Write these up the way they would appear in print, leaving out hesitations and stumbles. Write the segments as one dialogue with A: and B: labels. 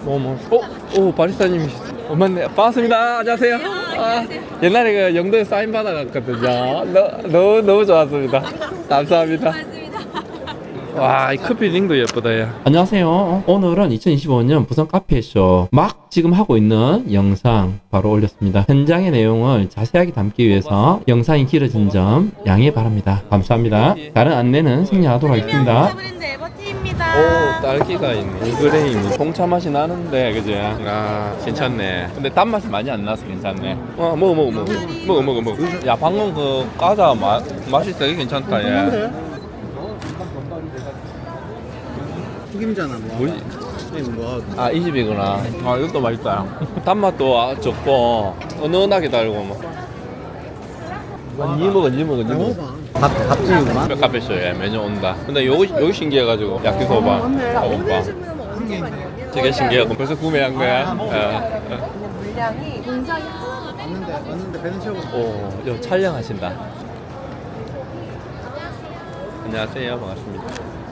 A: 오, 바리스타님이시죠? 맞네. 반갑습니다. 안녕하세요. 옛날에 그 영도에 사인 받아갔거든요. 너무 좋았습니다. 감사합니다. 와, 이 커피 링도 예쁘다, 야. 안녕하세요. 오늘은 2025년 부산 카페쇼 막 지금 하고 있는 영상 바로 올렸습니다. 현장의 내용을 자세하게 담기 위해서 영상이 길어진 점 양해 바랍니다. 감사합니다. 다른 안내는 생략하도록 하겠습니다. 오, 딸기가 있네. 이그레임이 홍차 맛이 나는데, 그지? 아, 괜찮네. 근데 단맛이 많이 안 나서 괜찮네. 먹어. 야, 방금 그 과자 맛이 되게 괜찮다, 얘.
B: 튀김잖아 뭐.
A: 뭐지? 아, 이 집이구나. 아, 이것도 맛있다. 단맛도 적고 은은하게 달고 뭐. 니 먹어.
B: 밥집이구만.
A: 카페쇼에 메뉴 온다. 근데 여기 신기해가지고 야끼소바, 볶음밥. 되게 신기하고 벌써 구매한 거야.
C: 물량이 굉장히
B: 왔는데 배는 채우고.
A: 오, 저 촬영하신다. 안녕하세요, 반갑습니다.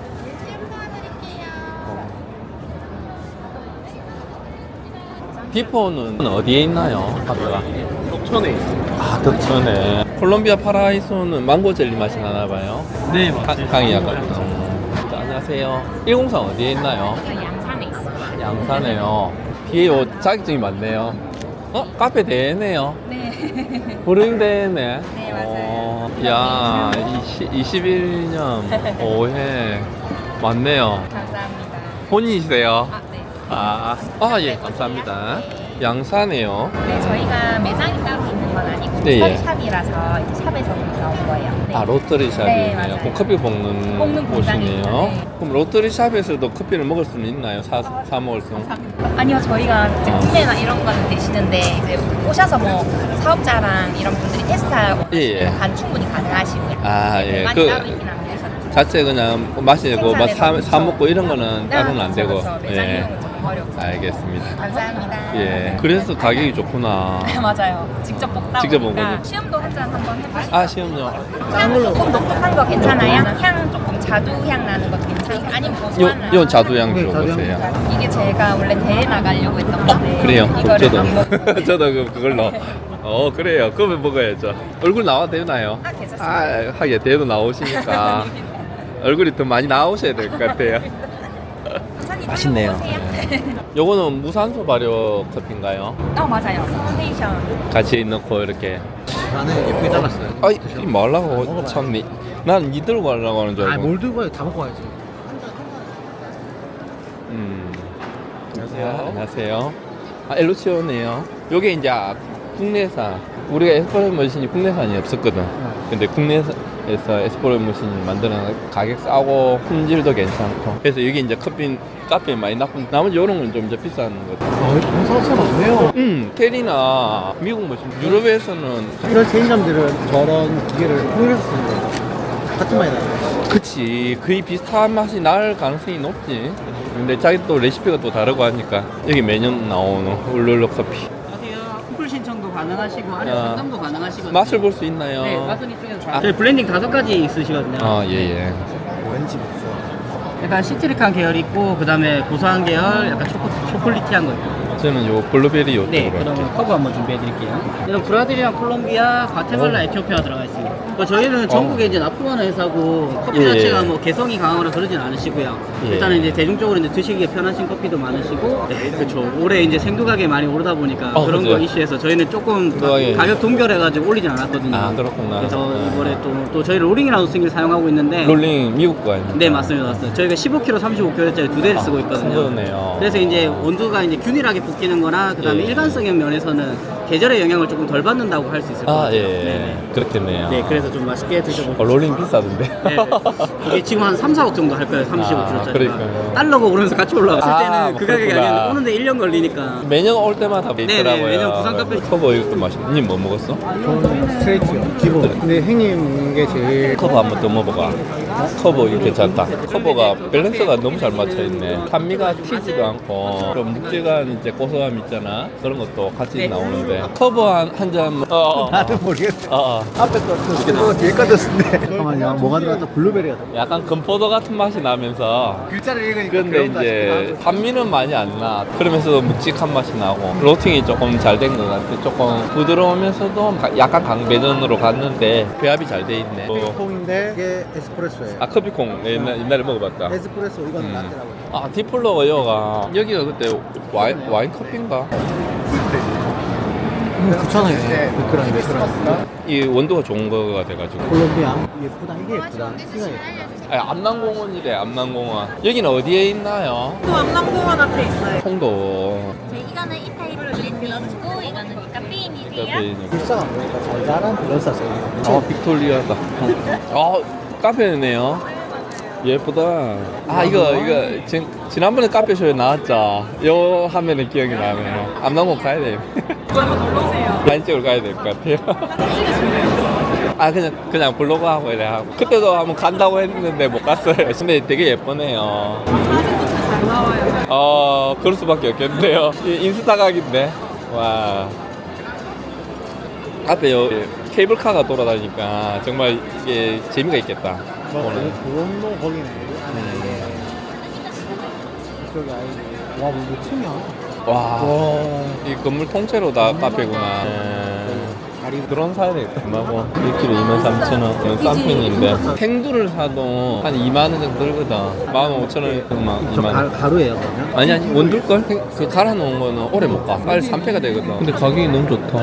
A: 비포는 어디에 있나요? 카페가?
B: 덕천에 있어.
A: 아, 덕천에. 콜롬비아 파라이소는 망고 젤리 맛이 나나 봐요.
B: 네 맞습니다.
A: 향이 약간. 안녕하세요. 103 어디에 있나요?
C: 양산에 있어요.
A: 양산에요. 뒤에 요 자격증이 많네요. 카페 대회네요.
C: 네.
A: 브루잉 대회네.
C: 네, 맞아요.
A: 야, 21년 5회 맞네요.
C: 감사합니다.
A: 본인이세요?
C: 네.
A: 예, 감사합니다. 양산에요.
C: 네, 저희가 매장이 따로 있는 건 아니고
A: 네, 예.
C: 샵이라서 이제 샵에서 나온 거예요. 네.
A: 로터리
C: 네,
A: 샵이네요.
C: 맞아요.
A: 그럼 커피 볶는
C: 볶는
A: 곳이네요.
C: 공장이죠. 네.
A: 그럼 로터리 샵에서도 커피를 먹을 수는 있나요? 사 먹을 수?
C: 아니요, 저희가 이제 구매나 이런 거는 되시는데 이제 오셔서 뭐 사업자랑 이런 분들이 테스트하고
A: 예.
C: 간 충분히 가능하시고요.
A: 아, 예.
C: 많이 따로 있긴 한데
A: 자체 그냥 마시고
C: 생산해서
A: 사 먹고 이런 거는
C: 네,
A: 따로는 안 되고.
C: 그렇죠. 매장 이용은 조금 어렵고.
A: 알겠습니다.
C: 감사합니다.
A: 예. 그래서 가격이 좋구나.
C: 맞아요. 직접 볶다
A: 직접
C: 보니까
A: 먹어도.
C: 시음도 한 잔 한번 해보시죠.
A: 아, 시험요.
C: 향 조금 독특한 거 괜찮아요? 향 조금 자두향 나는 거 괜찮아요? 아니면 고소한
A: 요 자두향
B: 네,
A: 줘보세요.
C: 이게 제가 원래 대회 나가려고 했던 건데
A: 그래요?
C: 이거를 한번
A: 저도 그걸로. 그래요. 그러면 먹어야죠. 얼굴 나와도 되나요?
C: 괜찮습니다.
A: 하게 대도 나오시니까 얼굴이 더 많이 나오셔야 될 것 같아요. 맛있네요. 요거는 무산소 발효 커피인가요?
C: 맞아요. 컨데이션.
A: 같이 넣고 이렇게.
B: 나는 예쁘게 잘랐어요.
A: 이 말라고
B: 먹어봐요.
A: 참 난 니 들고 가려고 하는 줄 알고.
B: 뭘 들고 와요? 다 먹고 와야지.
A: 안녕하세요. 엘루치오네요. 요게 이제 국내산. 우리가 에스프레소 머신이 국내산이 없었거든. 근데 국내에서 에스프레소 머신을 만드는 가격 싸고 품질도 괜찮고. 그래서 여기 이제 카페 많이 나머지 요런 건 좀 이제 비싼 거.
B: 공사선 없네요.
A: 테리나 미국 머신. 유럽에서는
B: 이런 체인점들은 저런 기계를 통일해서 쓰는 거예요. 같은 맛이 나요.
A: 그치, 거의 비슷한 맛이 날 가능성이 높지. 근데 자기 또 레시피가 또 다르고 하니까 여기 매년 나오는 울룰루 커피.
D: 안녕하세요. 쿠플 신청도 가능하시고 아니면
A: 아.
D: 상담도 가능하시거든요.
A: 맛을 볼 수 있나요?
D: 네, 맛은 이쪽에서 저희 블렌딩 5가지 있으시거든요.
A: 예.
B: 왠지 무서워.
D: 약간 시트릭한 계열 있고 그다음에 고소한 계열, 약간 초콜릿티한 거 있고.
A: 저는 요 블루베리 요쪽으로.
D: 네, 그러면 커브 한번 준비해드릴게요. 이런 브라질이랑 콜롬비아, 과테말라, 에티오피아 들어가 있습니다. 저희는 전국에 이제 납품하는 회사고 커피
A: 예,
D: 자체가
A: 예.
D: 뭐 개성이 강하거나 그러진 않으시고요.
A: 예.
D: 일단은 이제 대중적으로 이제 드시기에 편하신 커피도 많으시고, 네, 그렇죠. 올해 이제 생두가게 많이 오르다 보니까 그런
A: 그죠.
D: 거 이슈에서 저희는 조금
A: 생두가게.
D: 가격 동결해가지고 올리진 않았거든요.
A: 아, 그렇구나.
D: 그래서 이번에 또 저희 롤링이라는 스윙을 사용하고 있는데.
A: 롤링 미국 거 아닙니까?
D: 네, 맞습니다. 저희가 15kg, 35kg짜리 2대를 쓰고 있거든요.
A: 그러네요.
D: 그래서 이제 온도가 이제 균일하게 볶이는 거나 그다음에
A: 예.
D: 일관성의 면에서는 계절의 영향을 조금 덜 받는다고 할 수 있을 것 같아요.
A: 예. 그렇겠네요.
D: 네, 그래서 좀 맛있게 드셔보세요.
A: 롤링 비싸던데.
D: 네, 이게 지금 한 3, 4억 정도 할 거예요. 35kg짜리가.
A: 그러니까요.
D: 달러가 오르면서 같이 올라갔을 때는 그 가격이
A: 그렇구나.
D: 아니었는데 오는데 1년 걸리니까.
A: 매년 올 때마다 있더라고요.
D: 매년 부산 카페.
A: 커버 이것도 맛있네. 님 뭐 먹었어?
B: 저는 스트레이트요. 기본. 근데 형님 게 제일
A: 커버 한번 더 먹어봐. 커버 이거 괜찮다. 커버가 밸런스가 너무 잘 맞춰있네. 산미가 튀지도 않고 좀 묵직한 이제 고소함 있잖아. 그런 것도 같이
D: 네.
A: 나오는데 예. 커버 한 잔.
B: 나는 모르겠어.
A: 어.
B: 앞에 거 뒤에 거 떴는데. 잠깐만요. 뭐가 들어갔다? 블루베리가 들어갔다.
A: 약간 금포도 같은 맛이 나면서.
B: 글자를 읽으니까
A: 근데
B: 그런가
A: 이제
B: 싶기도 하고.
A: 산미는 많이 안 나. 그러면서도 묵직한 맛이 나고 로팅이 조금 잘 된 것 같아. 조금 부드러우면서도 약간 강배전으로 갔는데 배합이 잘 돼 있네.
B: 콩인데 이게 에스프레소예요.
A: 아 커피콩 옛날에 먹어봤다.
B: 에스프레소 이건 라떼라고.
A: 아 디플로가 여기가 그때 와인 커피인가?
B: 9,000원이네. 베크랑이 베크랑.
A: 이 원도가 좋은 거가 돼가지고.
B: 콜롬비아. 예쁘다. 이게 예쁘다. 키가 예쁘다.
A: 아, 암남공원이래 암남공원. 여기는 어디에 있나요?
E: 또 암남공원 앞에 있어요.
A: 홍도.
C: 이거는 이타이 블렌딩이고 이거는 카페인이세요?
B: 비싸가 보니까 잘 자란 블러사 써요.
A: 아 빅토리아다. 아 카페네요. 예쁘다. 아 이거 지난번에 카페쇼에 나왔죠. 요 화면에 기억이 나네요. 암남공원 가야 돼. 사진 찍으러 가야 될 것 같아요. 아 그냥 블로그 하고 이래 하고 그때도 한번 간다고 했는데 못 갔어요. 근데 되게 예쁘네요.
E: 사진도 잘 나와요.
A: 그럴 수밖에 없겠는데요. 인스타 각인데 와 앞에 요 케이블카가 돌아다니까 정말 이게 재미가 있겠다. 오늘.
B: 그런 거기네. 이쪽에 아예 와, 뭐 층이야?
A: 와, 이 건물 통째로 다 카페구나.
B: 다리
A: 드론 사야 되겠다. 얼마고? 1kg 23,000원. 싼 편인데. 탱두를 사도 한 2만원 정도 들거든. 15,000원, 막 2만원.
B: 가루예요, 그러면?
A: 아니, 원둘걸? 그 갈아놓은 거는 오래 못 가. 빨리 3패가 되거든. 근데 가격이 너무 좋다.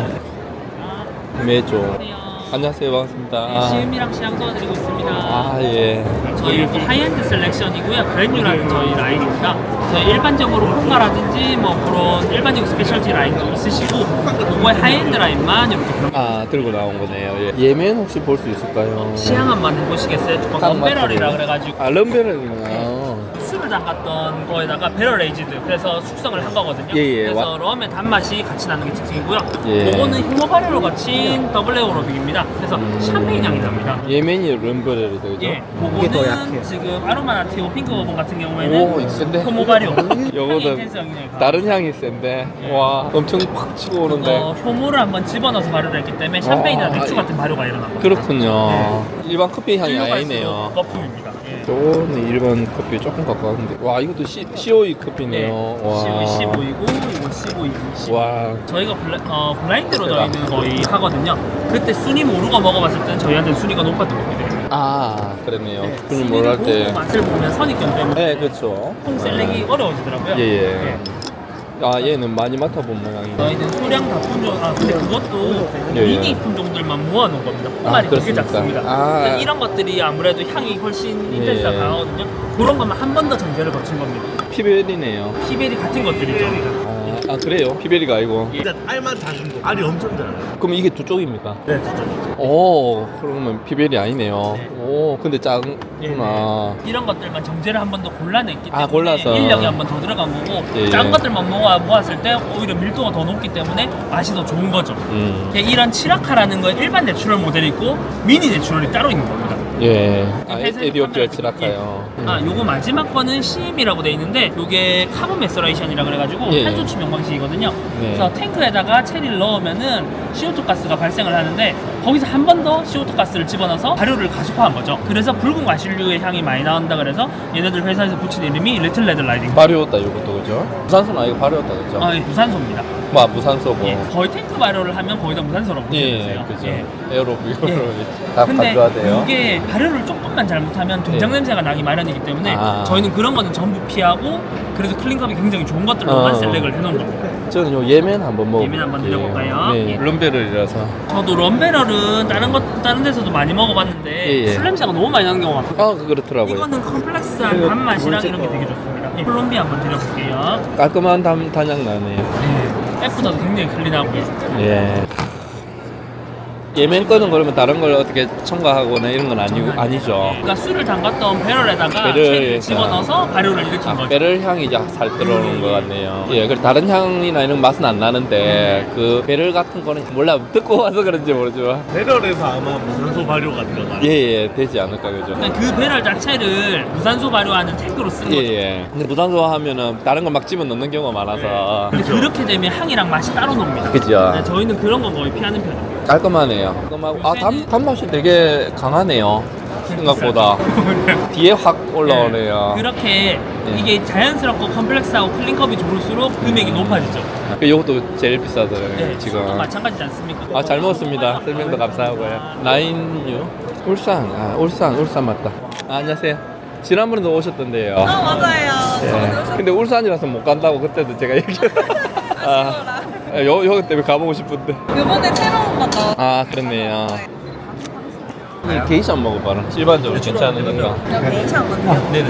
A: 매조. 안녕하세요. 반갑습니다.
F: 시음이랑 시향 도와드리고 있습니다.
A: 아, 예.
F: 저희 하이엔드 셀렉션이고요. 브랜뉴라는 저희 라인입니다. 저희 일반적으로 콩가라든지 뭐 그런 일반적인 스페셜티 라인도 있으시고 그거의 하이엔드 라인만 이렇게
A: 들고 나온 거네요. 예. 예매는 혹시 볼 수 있을까요?
F: 시향 한번 해보시겠어요? 조금 언베럴이라 그래가지고
A: 럼베럴이구나.
F: 술을 담갔던 거에다가 배럴 에이지드 그래서 숙성을 한 거거든요.
A: 예.
F: 그래서 럼의 단맛이 같이 나는 게 특징이고요.
A: 예.
F: 그거는 휘모바레로 거친 더블 에어로빅입니다. 그래서 샴페인 향이 납니다.
A: 예멘이 럼베럴이 되죠?
F: 예,
B: 이게 더 약해요.
F: 그거는 지금 아로마나티오 핑크 버번 같은 경우에는
A: 오, 센데?
F: 효모바리오
A: 요거는 다른 향이 센데 와 엄청 팍 치고 오는데
F: 효모를 한번 집어넣어서 발효를 했기 때문에 샴페인이나 맥주 같은 발효가 일어납니다.
A: 그렇군요. 일반 커피 향이
F: 일로
A: 아니네요.
F: 갈수록 거품입니다. 예.
A: 저는 일반 커피 조금 가까운데 와 이것도 COE 커피네요. 와.
F: C5이고 이거 C5이고
A: 와.
F: 저희가 블라인드로 저희는 거의 하거든요. 그때 순위 모르고 먹어봤을 때는 저희한테 순위가 높았던 겁니다.
A: 아 그랬네요.
F: 네,
A: 분이
F: 순위를
A: 뭘할
F: 보고
A: 때.
F: 맛을 보면 선입견 때문에
A: 네 그렇죠.
F: 콩 셀렉이 어려워지더라고요.
A: 예. 아 얘는 많이 맡아본 모양이네.
F: 저희는 소량 다품종, 근데 그것도
A: 예, 예.
F: 미니 품종들만 모아놓은 겁니다. 포말이 되게
A: 그렇습니까?
F: 작습니다.
A: 아.
F: 그래서 이런 것들이 아무래도 향이 훨씬
A: 예.
F: 인텐스가 강하거든요. 그런 것만 한 번 더 정제를 거친 겁니다.
A: 피벨이네요.
F: 피벨이 같은 것들이죠.
A: 아 그래요? 피벨이가 아니고.
F: 예.
G: 알만 작은 거. 알이 엄청 작아요.
A: 그럼 이게 두 쪽입니까?
G: 네, 진짜.
A: 오 그러면 피벨이 아니네요.
F: 네.
A: 오 근데
F: 예,
A: 작구나.
F: 이런 것들만 정제를 한 번 더 골라냈기 때문에
A: 아, 골라서.
F: 인력이 한 번 더 들어간 거고
A: 예,
F: 작은
A: 예.
F: 것들만 모았을 때 오히려 밀도가 더 높기 때문에 맛이 더 좋은 거죠. 이런 치라카라는 건 일반 내추럴 모델이 있고 미니 내추럴이 따로 있는 겁니다.
A: 예.
F: 회사에서
A: 에디오피아
F: 판매할 때-
A: 치라카요.
F: 요거 마지막 거는 CM이라고 돼 있는데 요게 카본 메서레이션이라 그래가지고
A: 예.
F: 탄소 추명 방식이거든요.
A: 네.
F: 그래서 탱크에다가 체리를 넣으면은 CO2 가스가 발생을 하는데 거기서 한 번 더 CO2 가스를 집어넣어서 발효를 가속화한 거죠. 그래서 붉은 과실류의 향이 많이 나온다 그래서 얘네들 회사에서 붙인 이름이 리틀 레드 라이딩.
A: 발효였다 이것도 그죠? 무산소는 아니고 발효였다 그죠?
F: 예, 무산소입니다.
A: 뭐 무산소고.
F: 예, 거의 탱크 발효를 하면 거의 다 무산소라고 보시면
A: 예,
F: 되세요.
A: 그죠.
F: 예.
A: 에어로빅으로 다
F: 근데
A: 가져야 돼요.
F: 이게 발효를 조금만 잘못하면 된장
A: 예.
F: 냄새가 나기 마련이기 때문에
A: 아.
F: 저희는 그런 거는 전부 피하고 그래서 클린컵이 굉장히 좋은 것들로만 셀렉을 해놓은 겁니다.
A: 저는 요 예멘 한번 먹어.
F: 예멘 한번 드려볼까요?
A: 네.
F: 예.
A: 럼베럴이라서.
F: 저도 럼베럴은 다른 데서도 많이 먹어봤는데
A: 예, 예.
F: 술 냄새가 너무 많이 나는 경우가 많거든요.
A: 아 그렇더라고요.
F: 이거는 컴플렉스한
A: 그리고
F: 단맛이랑
A: 물질-
F: 이런 게 되게 좋습니다. 예. 콜롬비아 한번 드려볼게요.
A: 깔끔한 단향 나네요.
F: 예. F도 굉장히 클린하고요.
A: 예. 예멘 거는 그러면 다른 걸 어떻게 첨가하거나 이런 건 아니죠.
F: 그러니까 술을 담갔던 배럴에다가
A: 배럴,
F: 체리를 집어넣어서 발효를 일으킨 거죠.
A: 배럴 향이 이제 살 들어오는 것 같네요. 예, 그리고 다른 향이나 이런 맛은 안 나는데 그 배럴 같은 거는 몰라 듣고 와서 그런지 모르지만
G: 배럴에서 아마 무산소 발효가 들어가요.
A: 예, 되지 않을까 그죠?
F: 그러니까 그 배럴 자체를 무산소 발효하는 탱크로 쓴 거죠.
A: 예. 근데 무산소 하면은 다른 걸 막 집어 넣는 경우가 많아서
F: 근데 그렇게 되면 향이랑 맛이 따로 놉니다.
A: 그죠?
F: 네, 저희는 그런 건 거의 피하는 편이에요.
A: 깔끔하네요. 깔끔하고 단맛이 되게 강하네요. 생각보다 뒤에 확 올라오네요.
F: 그렇게
A: 네.
F: 이게 자연스럽고 컴플렉스하고 클린컵이 좋을수록 금액이 높아지죠.
A: 이것도 제일 비싸더라고요
F: 네,
A: 지금.
F: 술도 마찬가지지 않습니까?
A: 아, 잘 먹었습니다. 설명도 감사하고요. 나인유 울산. 울산 맞다. 안녕하세요. 지난번에도 오셨던데요.
E: 맞아요.
A: 예. 근데 울산이라서 못 간다고 그때도 제가 얘기했어요. 여기 때문에 가보고 싶은데.
E: 이번에 새로운 거 나왔어요.
A: 아, 그렇네요. 이 게이샤 한번 먹어봐라. 일반적으로 괜찮은 건가?
E: 그냥 게이샤 같아요.
A: 네네.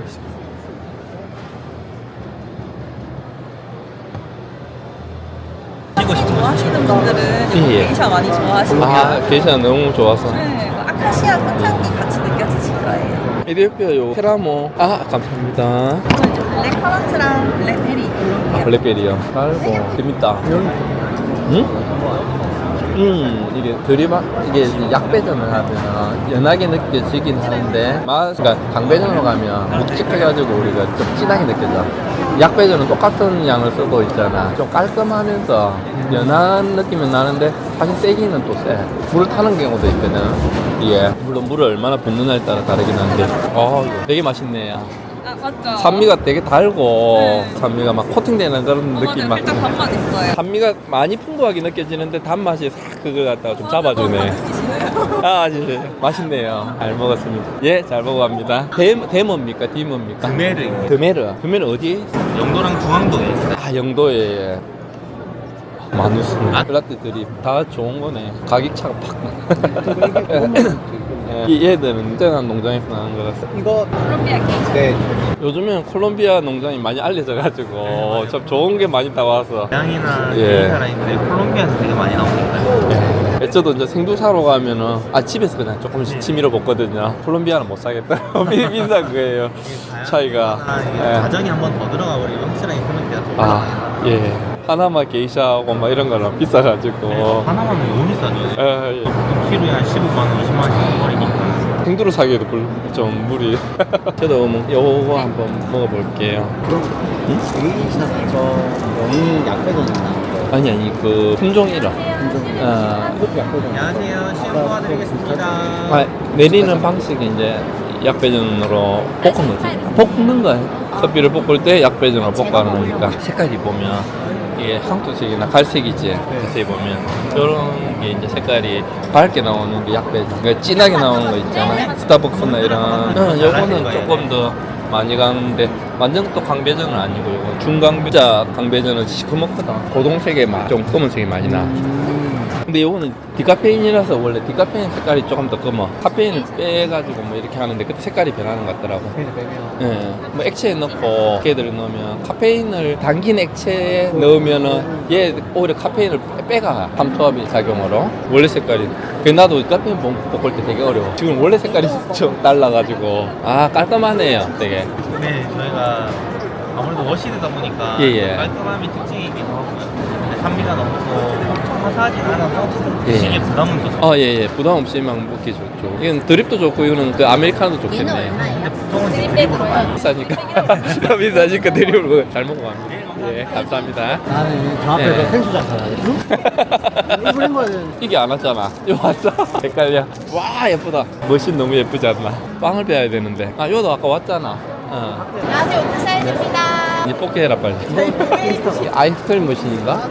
E: 좋아하시는 분들은
A: 예.
E: 게이샤 많이 좋아하시고요.
A: 아, 게이샤 너무 좋아서.
E: 네, 그 아카시아 꽃향기 같이 느껴지실 거예요.
A: 이디오피아 요 테라모. 아, 감사합니다.
E: 저 이제 블랙 커런트랑 블랙베리 이런 게
A: 블랙베리요. 아이고, 재밌다. 응? 이게 이게 약배전을 하면 연하게 느껴지긴 하는데 그러니까 강배전으로 가면 묵직해가지고 우리가 좀 진하게 느껴져. 약배전은 똑같은 양을 쓰고 있잖아. 좀 깔끔하면서 연한 느낌은 나는데 사실 세기는 또 세. 물을 타는 경우도 있거든. 이게 물론 물을 얼마나 붓느냐에 따라 다르긴 한데 이거 되게 맛있네요.
E: 아, 맞죠?
A: 산미가 되게 달고
E: 네.
A: 산미가 막 코팅되는 그런 느낌 막.
E: 살짝 단맛 있어요.
A: 산미가 많이 풍부하게 느껴지는데 단맛이 싹 그걸 갖다가 좀 잡아주네. 아, 진짜 맛있네요. 잘 먹었습니다. 예, 잘 먹어갑니다. 데모입니까? 디모입니까?
G: 드메르입니다.
A: 드메르 어디에 있어요?
G: 영도랑 중앙동에 있어요.
A: 아, 영도에. 마누스 라떼 드립 다 좋은 거네. 가격 차가 팍 이 얘들은 ጤ난 농장에서 나는 것 같아요.
B: 이거
E: 콜롬비아 게이샤.
B: 네.
A: 요즘엔 콜롬비아 농장이 많이 알려져가지고 참 좋은 게 많이 나와서
G: 양이나
A: 예.
G: 사라인데 콜롬비아에서 되게 많이 나오니까요.
A: 저도 이제 생두 사러 가면은 집에서 그냥 조금씩 치밀어 먹거든요. 콜롬비아는 못 사겠다. 비싼 거예요. 차이가. 예.
G: 가정이 한 번 더 들어가 버리면 확실하게 콜롬비아 더
A: 아, 예. 하나마 게이샤하고 막 이런 거는 비싸가지고.
G: 하나만 너무 비싸죠.
A: 예, 예.
G: 키로에 한 15만 원, 20만 원 버리니까.
A: 생두로 사기에도 좀 무리. 저도 요거 한번 먹어볼게요.
B: 게이샤 저 영인 약배전이 나온 거.
A: 아니 그 품종 이름.
B: 이것도 약배전.
G: 안녕하세요. 시험 도와드리겠습니다.
A: 내리는 방식이 이제 약배전으로 볶은 거지. 볶는 거예요. 커피를 볶을 때 약배전으로 볶아는 거니까. 색깔이 보면 이게 황토색이나 갈색이지. 자세히 보면 이런 게 이제 색깔이 밝게 나오는 게 약배전. 그러니까 진하게 나오는 거 있잖아. 스타벅스나 이런. 요거는 조금 더 많이 가는데 완전 또 강배전은 아니고 이거 중강배자 강배전은 시커멓거든. 고동색에 좀 검은색이 많이 나. 근데 이거는 디카페인이라서 원래 디카페인 색깔이 조금 더 검어. 카페인을 빼가지고 뭐 이렇게 하는데 그때 색깔이 변하는 것 같더라고.
B: 페인을 빼면.
A: 예. 뭐 액체에 넣고 걔들을 넣으면 카페인을 담긴 액체에 넣으면은 얘 오히려 카페인을 빼가 함투압의 작용으로 원래 색깔이. 그래 나도 카페인 볶을 때 되게 어려워. 지금 원래 색깔이 좀 달라가지고 아 깔끔하네요 되게.
G: 네, 저희가 아무래도 워시드다 보니까
A: 예, 예.
G: 깔끔함이 특징이기도 하고요. 근데 산미가 너무 엄청 화사하진 않아서
A: 예.
G: 드시기에 부담은 더
A: 예. 부담 없이 막 먹기 좋죠. 이건 드립도 좋고 이거는 그 아메리카노도 좋겠네.
G: 근데 보통은 이제 드립으로 많이
A: 비싸니까 비싸니까 드립으로 잘 먹어갑니다. 예, 감사합니다.
B: 나는 저 앞에서
A: 네.
B: 생수장 사야 일부러 거야 되는.
A: 이게 안 왔잖아. 이거 왔어. 헷갈려. 와 예쁘다. 머신 너무 예쁘지 않나? 빵을 빼야 되는데. 아 이거도 아까 왔잖아.
C: 안녕하세요. 오픈 사이즈입니다.
A: 이 뽑게 해라 빨리. 아이스크림 머신인가?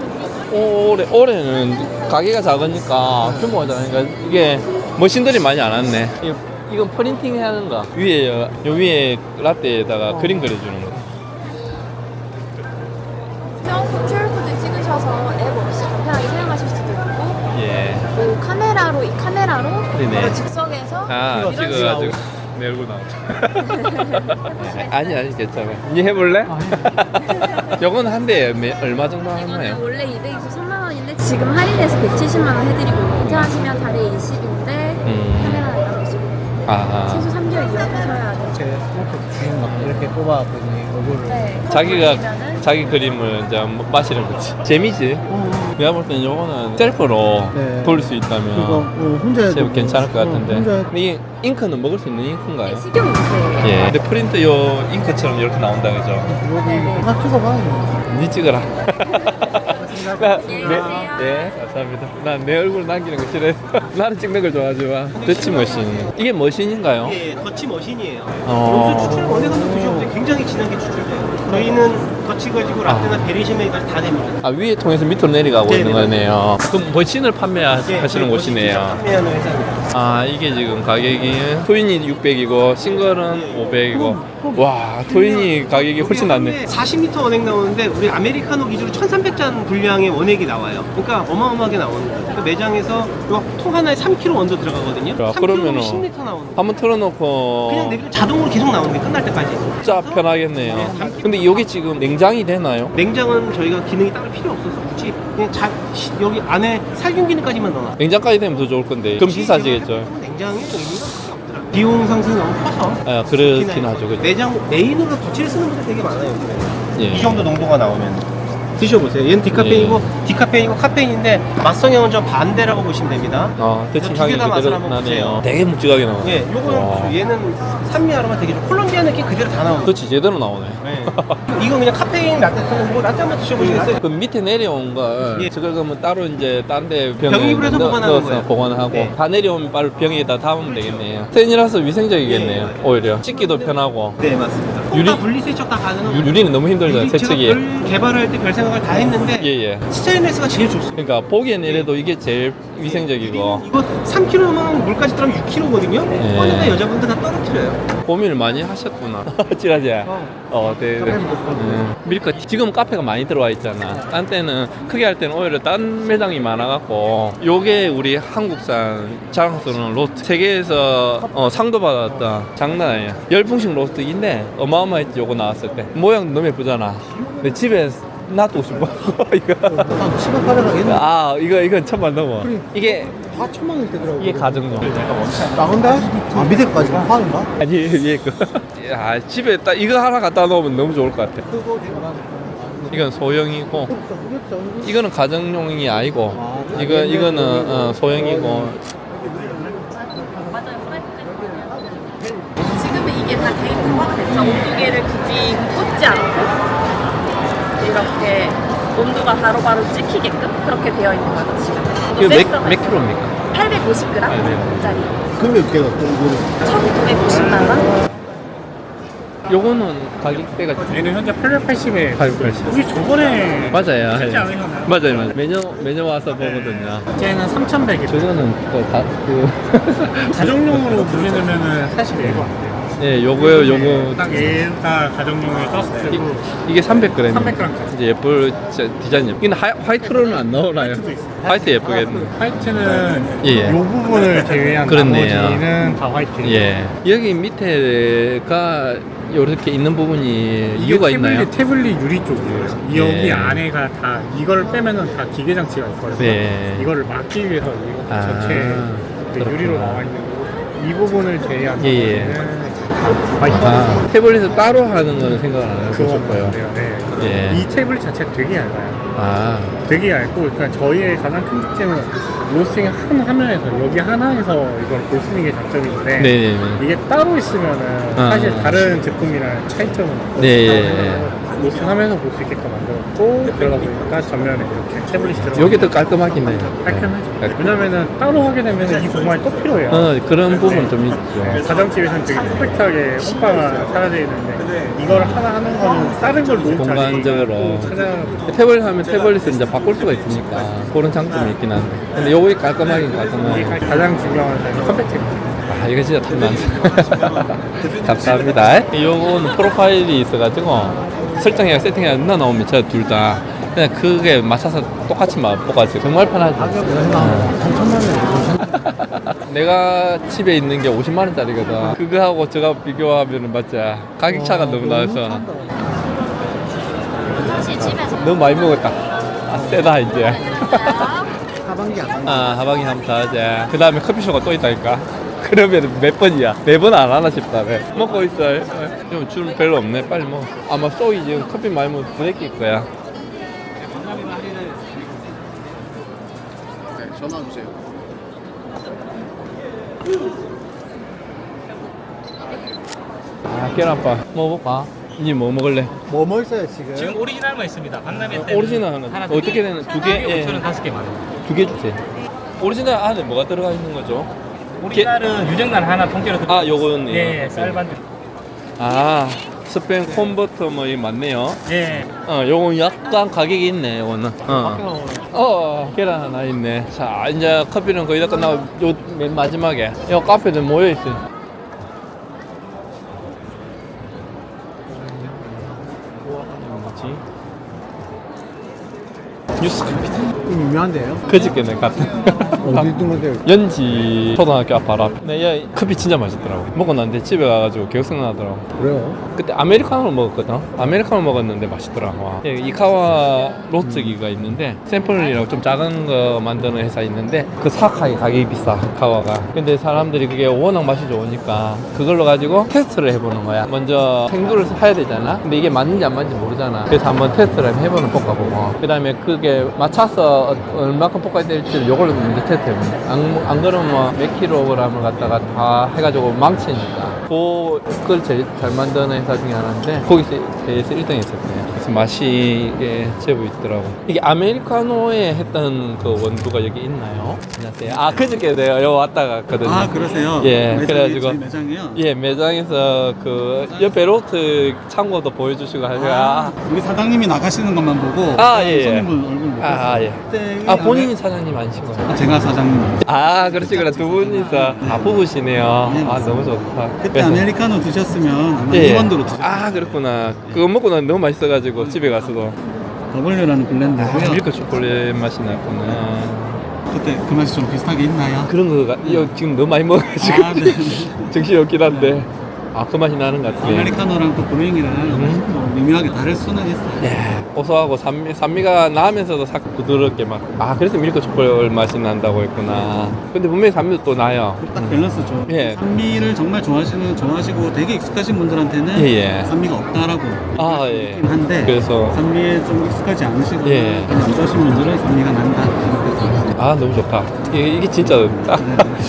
A: 올해는 가게가 작으니까 규모가 작으니까 이게 머신들이 많이 안 왔네. 이건 프린팅 하는 거. 위에 요 위에 라떼에다가 그림 그려주는 거.
H: QR코드 찍으셔서 앱 없이 간편하게 사용하실 수도 있고
A: 예.
H: 또 카메라로
A: 그러네.
H: 바로 즉석에서
A: 아
H: 이런
A: 찍어가지고 내 얼굴 나오죠. 아니 괜찮아. 니 해볼래? 요건 한 대에 얼마 정도 하나요?
H: 이거는 원래 223만 원인데 지금 할인해서 170만 원 해드리고 결제하시면 달에 20인데 카메라 나가시고 최소 3개월 이용하셔야 돼요.
B: 이렇게 주는 거 이렇게 뽑아보니 얼굴을.
H: 네.
A: 자기가
H: 그러면은
A: 자기 그림을 이제 마시는 거지. 재미지. 내가 볼 때는 요거는 셀프로
B: 네.
A: 돌릴 수
B: 그거
A: 있다면
B: 혼자 해도
A: 제일 괜찮을 것 같은데.
B: 혼자 해도
A: 근데 이 잉크는 먹을 수 있는 잉크인가요?
H: 식용 인쇄예요.
A: 예. 근데 프린트 요 잉크처럼 이렇게 나온다 그죠?
B: 여기 다 찍어봐.
A: 니 찍어라.
H: 안녕하세요.
A: 네, 감사합니다. 난 내 얼굴 남기는 거 싫어해. 나는 찍는 걸 좋아하지만. 터치 머신. 이게 머신인가요?
G: 이게 더치 머신이에요.
A: 어.
G: 여기서 추출 원액 한번 드셔보세요. 굉장히 진하게 추출돼요. 저희는 더치 가지고 라떼나 베리시메이까지 다 됩니다.
A: 아, 위에 통해서 밑으로 내려가고
G: 네,
A: 있는
G: 네.
A: 거네요. 그럼 머신을 판매하시는 곳이네요.
G: 판매하는 회사입니다.
A: 아, 이게 지금 가격이 트윈이 600이고 싱글은 500이고. 와, 트윈이 가격이 훨씬 낫네.
G: 40m 원액 나오는데 우리 아메리카노 기준으로 1300잔 분량의 원액이 나와요. 그러니까 어마어마하게 나오는 거예요. 그 매장에서 통 하나에 3kg 원도 들어가거든요.
A: 야,
G: 3kg면
A: 그러면은
G: 10리터 나오는 거예요.
A: 한번 틀어놓고
G: 그냥 내리면 자동으로 계속 나오는 게 끝날 때까지.
A: 진짜 편하겠네요.
G: 네,
A: 근데 여기 지금 냉장이 되나요?
G: 냉장은 저희가 기능이 따로 필요 없어서 굳이 그냥 여기 안에 살균 기능까지만 넣어놔.
A: 냉장까지 되면 더 좋을 건데 그럼 비싸지겠죠?
G: 냉장에 의미가 크게 없더라. 비용 상승이 너무 커서.
A: 아, 그렇긴 하죠. 그죠?
G: 매장 메인으로 덧칠을 쓰는 분들 되게 많아요. 요즘에.
A: 예.
G: 이 정도 농도가 나오면 드셔보세요. 얘는 디카페인이고 디카페인이고 카페인인데 맛 성향은 좀 반대라고 보시면 됩니다.
A: 대칭
G: 두
A: 향이
G: 개 다 맛을
A: 그대로
G: 한번
A: 나네요.
G: 보세요.
A: 되게 묵직하게 나오네.
G: 예, 요거는 얘는 산미 아로마 되게 좋고 콜롬비아 느낌 그대로 다 나오는.
A: 그렇지, 제대로 나오네.
G: 네. 이거 그냥 카페인 라떼 쓰는 거 라떼 한번 드셔보시겠어요?
A: 그 밑에 내려온 걸
G: 예.
A: 저걸 그러면 따로 이제 딴 데 병에
G: 병입을 해서 보관하는
A: 넣어서
G: 거예요.
A: 보관하고
G: 네.
A: 다 내려오면 바로 병에다 담으면 되겠네요. 스텐이라서 위생적이겠네요.
G: 예.
A: 오히려 찍기도 편하고.
G: 네, 맞습니다.
A: 유리-
G: 다 분리 세척 다 가능한.
A: 유리는 너무 힘들죠, 세척이.
G: 제가 별 개발할 때 별 생각을 다 했는데
A: 예예.
G: 스테인레스가 제일 좋습니다.
A: 그러니까 보기엔 이래도 이게 제일 위생적이고
G: 이거 3kg면 물까지 들어가면 6kg거든요.
A: 예.
G: 꺼내다 여자분들 다 떨어뜨려요.
A: 고민을 많이 하셨구나. 찌라지. 네. 밀크. 지금 카페가 많이 들어와 있잖아. 딴 때는 크게 할 때는 오히려 딴 매장이 많아갖고 요게 우리 한국산 자랑스러운 로스트 세계에서 상도 받았다. 장난 아니야. 열풍식 로스트인데 어마어마했지 요거 나왔을 때. 모양 너무 예쁘잖아. 근데 집에 놔두고 싶어. 이거.
B: 한 7만 800원 하겠네.
A: 아 이건 천만 넘어. 이게
B: 다 1000만 원대 더라고.
A: 이게 가정용.
B: 작은데? 아 밑에까지 파는가?
A: 아니 위에 거. 야 집에 딱 이거 하나 갖다 놓으면 너무 좋을 것 같아.
B: 그거 내가
A: 이건 소형이고 이거는 가정용이 아니고
B: 아,
A: 이거는 소형이고.
C: 지금은 이게 다 데이터화가 됐죠. 온도계를 굳이 꽂지 않고 이렇게 온도가 바로바로 찍히게끔 그렇게 되어 있는 거죠 지금.
A: 이거
C: 센서가
A: 몇
C: 있어요.
A: 킬로입니까?
C: 850g짜리.
B: 금액 대가 또 이거를
C: 1,950만 원.
A: 요거는 가격대가
I: 얘는 현재 880에
A: 880.
I: 우리 저번에
A: 맞아요.
I: 진짜 안 해놨나요?
A: 맞아요. 매년 와서 보거든요.
I: 쟤는 3,100에
A: 저거는
I: 가정용으로 물려놓으면은 사실 얘가 안 돼요.
A: 예, 요거
I: 딱 얘가 가정용의 저스트고
A: 이게 300g.
I: 300g.
A: 이제 예쁠 디자인 예쁘. 이건 화이트로는 안 나오나요?
I: 화이트도 있어요.
A: 화이트 예쁘겠네.
I: 화이트는
A: 예.
I: 요 부분을 제외한
A: 그렇네요.
I: 나머지는 다 화이트.
A: 예. 여기 밑에가 이렇게 있는 부분이 이유가 있나요?
I: 태블릿 유리 쪽이에요. 여기
A: 예.
I: 안에가 다 이걸 빼면은 다 기계 장치가 있거든요.
A: 네.
I: 이거를 막기 위해서 이거
A: 아,
I: 전체
A: 그렇구나.
I: 유리로 나와 있는 거고 이 부분을 제외한
A: 예.
I: 나머지는 화이트.
A: 아, 태블릿을 따로 하는 거는 생각 안 해보실 거예요.
I: 네.
A: 예.
I: 이 태블릿 자체가 되게 얇아요.
A: 아,
I: 되게 얇고, 그러니까 저희의 가장 큰 특징은 로스팅 한 화면에서 여기 하나에서 이걸 볼 수 있는 게 장점인데
A: 네네네.
I: 이게 따로 있으면은
A: 아.
I: 사실 다른 제품이랑 차이점은 없고
A: 네.
I: 로스팅 하면서 볼 수 있게끔 만들었고 그러다 보니까 전면에 이렇게 태블릿이 들어가
A: 여기 더 깔끔하긴 해요.
I: 깔끔하죠.
A: 네.
I: 왜냐면은 따로 하게 되면 이 공간이 또 필요해요.
A: 그런 부분 좀 있죠.
I: 가정집에서는 되게 컴팩트하게 호빠가 사라져 있는데 이걸 하나 하는 거는 다른 걸 놓은
A: 공간적으로.
I: 찾아
A: 태블릿 하면 태블릿을 이제 바꿀 수가 있으니까 그런 장점이 있긴 한데. 근데 요게 깔끔하긴
I: 이게
A: 깔끔하고.
I: 가장 중요한 점이 컴팩트입니다.
A: 아, 이거 진짜 탐난다. 감사합니다. 요거는 프로파일이 있어가지고 설정해가 세팅해가 누나 나오면 제가 둘 다 그냥 그게 맞춰서 똑같이 맛보가지고 정말 편하죠.
B: 3천만 원.
A: 내가 집에 있는 게 50만 원짜리거든. 그거하고 저거 비교하면 맞지? 가격 차가 너무 나서
H: 사실 집에서
A: 너무 많이 먹었다. 아, 세다 이제.
B: 하반기 안
A: 아, 하방이 한번 사자. 그 다음에 커피숍가 또 있다니까. 그러면 몇 번이야? 매번 안 하나 싶다. 네. 먹고 있어요. 좀 줄 별로 없네. 빨리 먹어. 아마 쏘이 지금 커피 많이 먹으면 부대낄 거야.
B: 네, 전화 주세요.
A: 아, 계란밥 먹어볼까? 니 뭐 먹을래?
B: 뭐 있어요 지금?
F: 지금 오리지널만 있습니다. 박람회 때
A: 오리지널 하나. 어떻게 되는? 두 개? 예.
F: 5,000원 5개만.
A: 두 개 주세요. 오리지널 안에 뭐가 들어가 있는 거죠?
F: 오리지널은 유정란 하나 통째로 들어.
A: 아, 요거는.
F: 예, 쌀반들.
A: 아, 스팸 콘버터 뭐 이 맞네요.
F: 예.
A: 요건 약간 가격이 있네. 요거는. 계란 하나 있네. 자, 이제 커피는 거의 다 끝나고 요 맨 마지막에 요 카페들 모여 있어요. 뭐지? 뉴스 커피다.
B: 유명한데요?
A: 그저께 내가 갔다.
B: 어디 있는 건데요?
A: 연지 초등학교 앞 바로 앞. 네, 야, 커피 진짜 맛있더라고. 먹고 났는데 집에 가가지고 기억 생각나더라고.
B: 그래요?
A: 그때 아메리카노를 먹었거든. 아메리카노 먹었는데 맛있더라고. 와. 예, 이카와 로스기가 있는데 샘플이라고 좀 작은 거 만드는 회사 있는데 그 사카이 가격이 비싸. 이카와가. 근데 사람들이 그게 워낙 맛이 좋으니까 그걸로 가지고 테스트를 해보는 거야. 먼저 생두를 사야 되잖아. 근데 이게 맞는지 안 맞는지 모르잖아. 그래서 한번 테스트를 해보는 볶아보고 그 다음에 그게 맞춰서 얼마큼 볶아야 될지 요걸로 먼저 테스트해보는 거야. 안 그러면 뭐 몇 킬로그램을 갖다가 다 해가지고 망치니까 그걸 제일 잘 만드는 회사 중에 하나인데 거기서 대회에서 1등 했었거든요. 그래서 맛이 제법 있더라고. 이게 아메리카노에 했던 그 원두가 여기 있나요? 안녕하세요. 아, 그저께 내가 여기 왔다 갔거든요.
J: 아, 그러세요?
A: 예,
J: 매장이
A: 그래가지고
J: 저희 매장이요?
A: 예, 매장에서 그 옆에 로트 창고도 보여주시고 하니까
J: 우리 사장님이 나가시는 것만 보고
A: 아, 예, 예.
J: 손님분 얼굴 못 봤어요.
A: 예.
J: 그때
A: 아, 본인이 사장님 아니신 거예요?
J: 제가 사장님.
A: 아, 그렇지, 그래. 두 분이서 부부시네요. 아, 너무 좋다.
J: 그때
A: 그래서-
J: 아메리카노 드셨으면 아마
A: 예.
J: 이원도로 드셨어요.
A: 아, 그렇구나. 그거 먹고 난 너무 맛있어가지고 집에 가서도
J: W라는 블렌드고요.
A: 밀크 초콜릿 맛이 났구나.
J: 그때 그 맛이 좀 비슷하게 있나요?
A: 그런 거가 이거 지금 너무 많이 먹어가지고
J: 아, 네.
A: 정신이 없긴 한데 아, 그 맛이 나는 것 같아요.
J: 아메리카노랑 또 브루잉이랑 좀 미묘하게 다를 수는 있어요.
A: 예, 고소하고 산미가 나면서도 싹 부드럽게 막. 아, 그래서 밀크 초콜릿 맛이 난다고 했구나. 근데 분명히 산미도 또 나요.
J: 딱 밸런스죠.
A: 예.
J: 산미를 정말 좋아하시고 되게 익숙하신 분들한테는
A: 예, 예.
J: 산미가 없다라고
A: 아, 예.
J: 있긴 한데
A: 그래서
J: 산미에 좀 익숙하지 않으시고
A: 예.
J: 안 좋아하신 분들은 산미가 난다.
A: 아, 너무 좋다. 이게 진짜 딱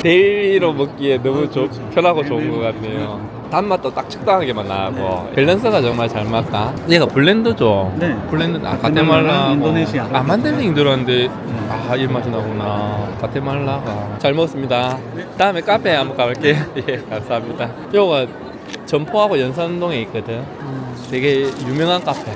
A: 데일리로 먹기에 너무 편하고 좋은 것 같네요. 단맛도 딱 적당하게만 나고 밸런스가 정말 잘 맞다. 얘가 블렌드죠?
J: 네.
A: 블렌드. 아,
J: 가테말라,
A: 가테말라.
J: 인도네시아.
A: 아, 만델링 들어왔는데 아, 이 맛이 나구나. 가테말라가. 잘 먹었습니다. 다음에 카페에 한번 가볼게요. 예, 감사합니다. 요거 점포하고 연산동에 있거든. 되게 유명한 카페.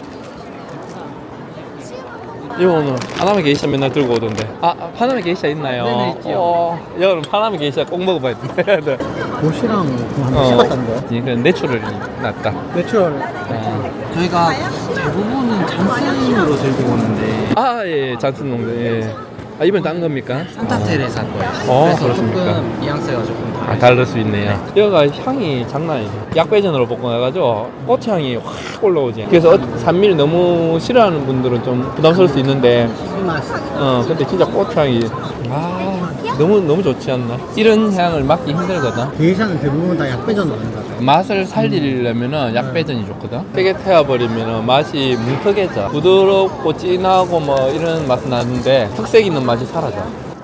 A: 이거는 파나마 게이샤 맨날 들고 오던데. 아, 파나마 게이샤 있나요?
B: 네네, 있지요.
A: 여러분 파나마 게이샤 꼭 먹어봐야 돼.
B: 도시랑 한번 씹었던데.
A: 그 내추럴이 낫다.
B: 내추럴.
D: 저희가 대부분은 잔슨으로 들고 오는데
A: 아, 예, 잔슨 농장. 예. 아, 이번 딴 겁니까?
D: 산타테레사 거예요. 그래서
A: 그렇습니까?
D: 조금 뉘앙스가 조금
A: 아, 다를 수 있네요. 여기가 향이 장난 아니죠. 약배전으로 볶아가지고 꽃향이 확 올라오지. 그래서 산미를 너무 싫어하는 분들은 좀 부담스러울 수 있는데, 근데 진짜 꽃향이 너무 좋지 않나? 이런 향을 맡기 힘들거든.
B: 게이샤는 대부분 다 약배전 아닌가 봐요.
A: 맛을 살리려면은 약배전이 좋거든. 세게 태워버리면은 맛이 뭉툭해져. 부드럽고 진하고 뭐 이런 맛은 나는데 특색 있는 맛이 사라져.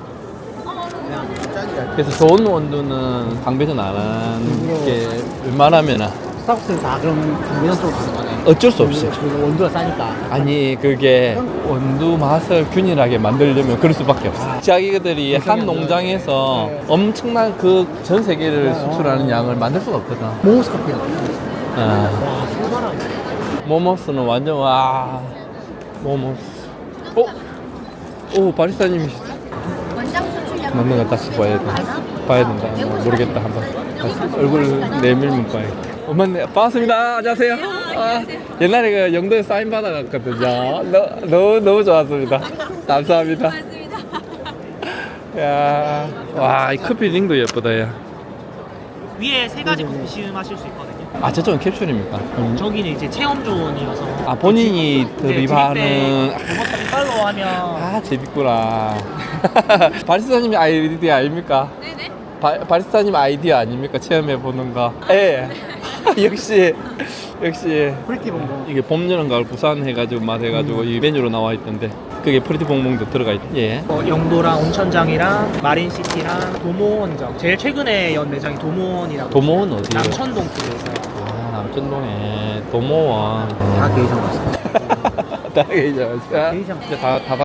A: 그래서 좋은 원두는 강배전 안 하는 게 웬만하면은
B: 스타벅스는 다 그럼 강변 쪽으로 가는 거네.
A: 어쩔 수 없이.
B: 그리고 원두가 싸니까.
A: 아니, 그게 원두 맛을 균일하게 만들려면 그럴 수밖에 없어. 자기들이 한 농장에서 엄청난 그 전 세계를 수출하는 양을 만들 수가 없거든.
B: 모모스 커피가.
A: 모모스는 완전 모모스. 오, 바리스타님이시다. 맞는 거 다시 봐야 된다. 모르겠다. 한번 다시 얼굴 내밀면 봐야겠다. 맞네. 반갑습니다. 안녕하세요. 아, 옛날에 그 영도에 사인 받아갔거든요. 너무 좋았습니다. 감사합니다. 야, 와, 이 커피 링도 예쁘다, 야.
F: 위에 세 가지 커피 시음하실 수 있거든요.
A: 아 저쪽은 캡슐입니까?
F: 저기는 이제 체험 존이어서
A: 아 본인이 드립하는
F: 로버트 이빨로 하면
A: 아 재밌구나. 바리스타님 아이디어 아닙니까?
H: 네네.
A: 바리스타님 아이디어 아닙니까? 체험해 보는 거. 예. 역시
B: 프리티 봉봉.
A: 이게 봄 여름 가을 부산 해가지고 맛 해가지고 이 메뉴로 나와 있던데 그게 프리티 봉봉도 들어가 있. 예.
F: 영도랑 온천장이랑 마린시티랑 도모원점 제일 최근에 연 매장이 도모원이라고
A: 도모원 어디예요?
F: 남천동 쪽에서
A: 아 남천동에 도모원.
B: 다 게이션 같습니다.
A: 다 게이죠.
B: 게이션.
A: 이제 다